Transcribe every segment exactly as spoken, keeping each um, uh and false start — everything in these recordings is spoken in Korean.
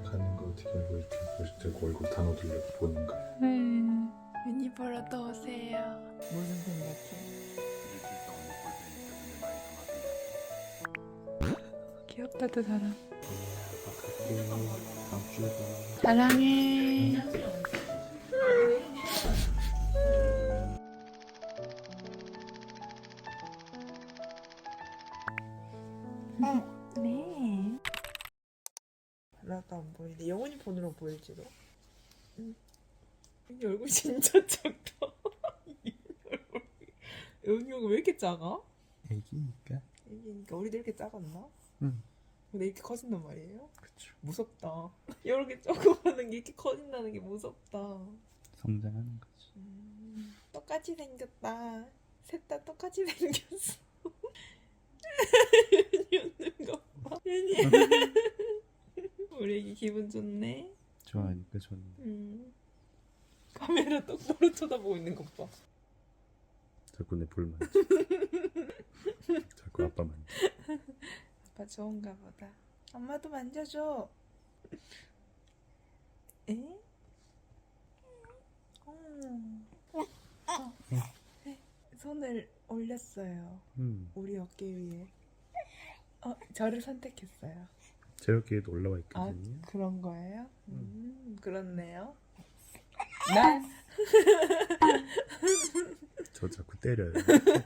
가는 거 어떻게 알고 이렇게 멋있고 얼굴 다 넣어두려고 보는 거야? 네. 윤희 보러 또 오세요. 무슨 생각해? 귀엽다 두 사람. 사랑해. 네. 하나도 안 보이네. 영원히 폰으로 보일지도. 응. 이 얼굴 진짜 작다. 영이 얼굴 왜 이렇게 작아? 애기니까. 애기니까 우리도 이렇게 작았나? 응. 근데 이렇게 커진단 말이에요? 그쵸. 무섭다. 이렇게 조그마한 게 이렇게 커진다는 게 무섭다. 성장하는 거지. 음, 똑같이 생겼다. 셋 다 똑같이 생겼어. 윤이 웃는 거 봐. 윤이. 우리 애기 기분 좋네. 좋아하니까 좋네. 음. 카메라 똑바로 쳐다보고 있는 것 봐. 자꾸 내 볼 만져. 자꾸 아빠 만져. 아빠 좋은가 보다. 엄마도 만져줘. 에? 어. 어. 네. 손을 올렸어요. 음. 우리 어깨 위에. 어, 저를 선택했어요. 제 어깨에도 올라와 아, 있거든요. 그런 거예요? 음, 그렇네요. 나 저 자꾸 때려요.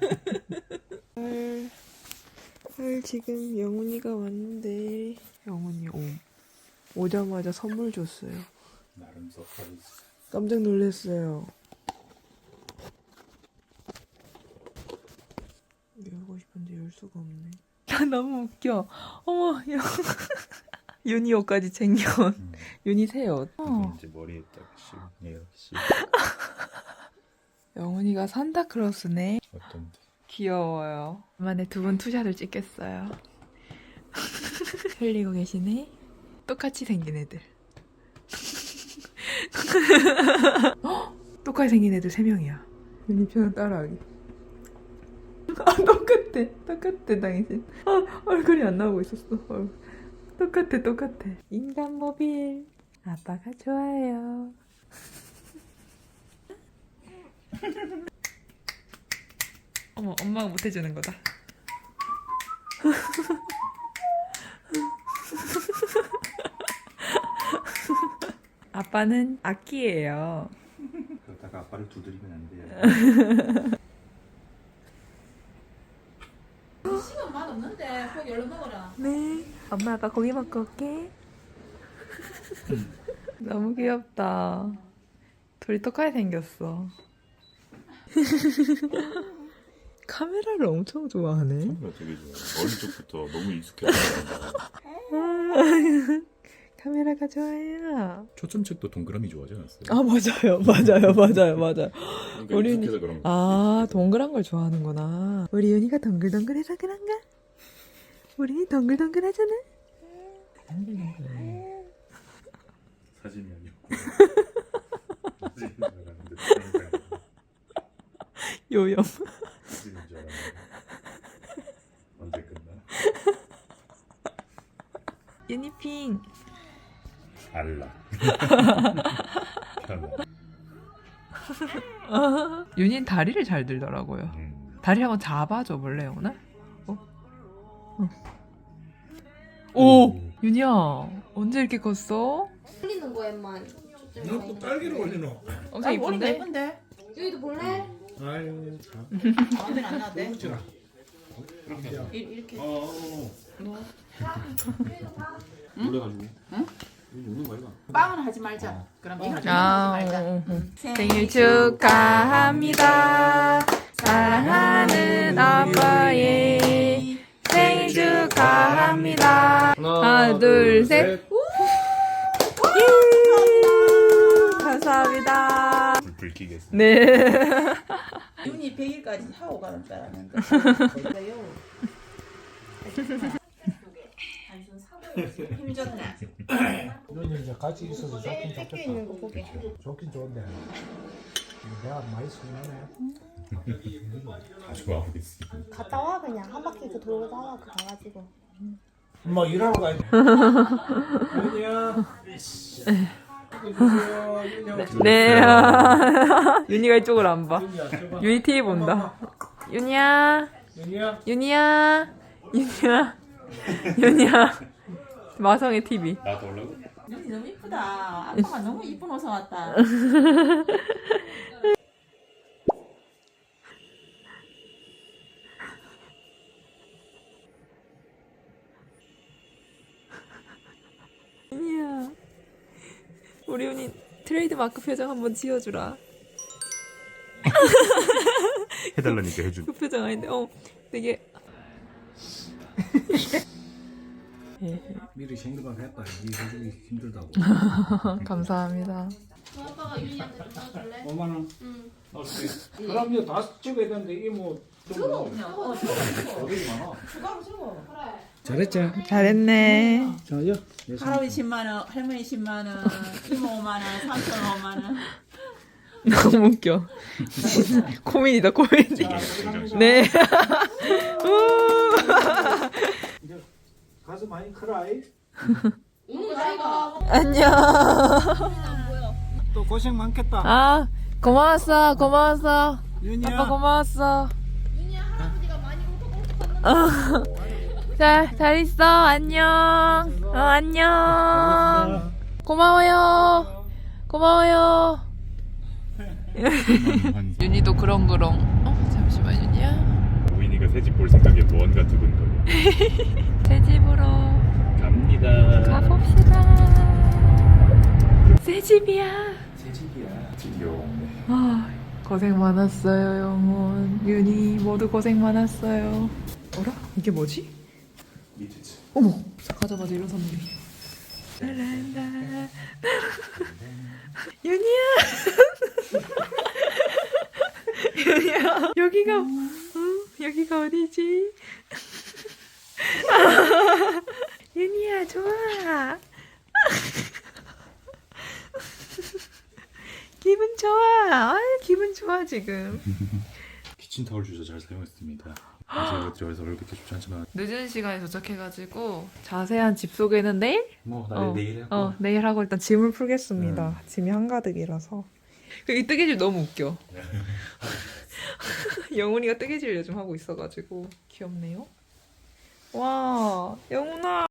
헐, 헐 지금 영훈이가 왔는데 영훈이 오 오자마자 선물 줬어요. 나름 서프라이즈. 깜짝 놀랐어요. 열고 싶은데 열 수가 없네. 야 너무 웃겨. 어머 야. 윤희 옷까지 챙겨온. 음. 윤희 새 옷. 이거 어. 이제 머리에다가 씌우. 얘가 씌우. 영훈이가 산타크로스네. 어떤데? 귀여워요. 만에 두 분 투샷을 찍겠어요. 흘리고 계시네. 똑같이 생긴 애들. 똑같이 생긴 애들 세 명이야. 윤희 표정 따라하기. 아 똑같아. 똑같아 당신. 아 얼굴이 안 나오고 있었어. 얼굴. 똑같아 똑같아. 인간 모빌. 아빠가 좋아요. 어머 엄마가 못해주는 거다. 아빠는 악기예요. 그러다가 아빠를 두드리면 안 돼요. 시간 맛없는데 고기 얼른 먹어라. 네. 엄마 아빠 고기 먹고 올게. 너무 귀엽다. 둘이 똑같이 생겼어. 카메라를 엄청 좋아하네. 카메라 되게 좋아. 어릴 적부터 너무 익숙해졌어. 카메라가 좋아요. 초점책도 동그라미 좋아하지 않았어요? 아 맞아요, 맞아요, 맞아요, 맞아요. 그러니까 우리 익숙해서 그런 거. 아 동그란 걸 좋아하는구나. 우리 윤희가 동글동글해서 그런가? 우리 동글동글하잖아. 사진이 아니었고. 사진인 줄 알았는데 다른 사람이 요염. 사진인 줄 알았는데 언제 끝나? 유니핑. 알라. 편안. 윤희는 다리를 잘 들더라고요. 음. 다리 한번 잡아줘 볼래요 오늘? 어? 어. 오! 윤희야 언제 이렇게 컸어? 흘리는 거에만 너또 딸기를 올리노? 엄청 이쁜데? 예쁜데? 여기도 볼래? 아유 참. 마음에 안 나대. 그렇지라. 이렇게. 어. 놀래가지고. 응? 우는 거 아이가? 빵은 하지 말자. 그럼 이거 하지 아, 말자. 응, 응. 생일 축하합니다. 사랑하는 아빠의 생일 축하합니다. 하나, 둘, 셋. 예! 감사합니다. 불불 끼겠어. 네. 윤이 백 일까지 하고 가는 줄 알았는데. 그래요. 힘줬네. 너는 이제 같이 있어서 좋긴 뺏겨 좋겠다. 있는 거 보게. 좋긴 좋은데 내가 많이 서운하네. 다 좋아하고 있어. 갔다 와 그냥 한 바퀴 그 돌고 와 그 가가지고 엄마 일하러 가야 돼. 아니야. 네. 윤희가 이쪽을 안 봐. 윤희 티비 본다. 윤희야. 윤희야. 윤희야. 윤희야. 윤희야. 마성의 티비. 나도 올라고? 눈이 너무 이쁘다. 아빠가 너무 이쁜 옷을 왔다. 윤희야. 우리 윤희 트레이드 마크 표정 한번 지어주라. 해달라니까 해준. 그 표정 아닌데, 어, 되게. 미리 생각을 했다. 이 해주기 힘들다고. 감사합니다. 아빠가 유이한테 좀 도와줄래? 오만 원. 응. 그럼 이제 다 찍어야 되는데 이모 저거 그냥 어 저거 어디 많아. 추가로 저거. 잘했지. 잘했네. 자요. 할아버지 십만 원, 할머니 십만 원, 이모 오만 원, 삼촌 오만 원. 너무 웃겨. 코미디다, 코미디. 네. 이제 가서 많이 크라이. 오늘 나이가 안녕. 안 보여. 또 고생 많겠다. 아, 고마웠어, 고마웠어. 윤희야. 아빠 고마웠어. 윤희야 할아버지가 많이 울고 자, 잘 있어. 안녕. 어, 안녕. 고마워요. 고마워요. 윤희도 그렁그렁. 어, 잠시만, 윤희야. 우인이가 새집 볼 생각에 무언가 두근거려. 새 집으로 갑니다. 가봅시다. 새 집이야. 새 집이야. 드디어. 아, 고생 많았어요, 영혼. 윤희 모두 고생 많았어요. 어라? 이게 뭐지? 미트츠. 어머, 가자마자 이런 선물이. 랄랄라. 윤희야. 윤희야, 여기가, 어, 여기가 어디지? 윤희야, 좋아. 기분 좋아. 아, 기분 좋아 지금. 키친타월 주저 잘 사용했습니다. 제가 들어서 얼굴 이렇게 좋지 않지만 늦은 시간에 도착해가지고 자세한 집 소개는 내일? 뭐 어, 나를 내일 하고 어, 내일 하고 일단 짐을 풀겠습니다. 짐이 한가득이라서. 이 뜨개질 너무 웃겨. 영훈이가 뜨개질 요즘 하고 있어가지고 귀엽네요. 와, 영훈아.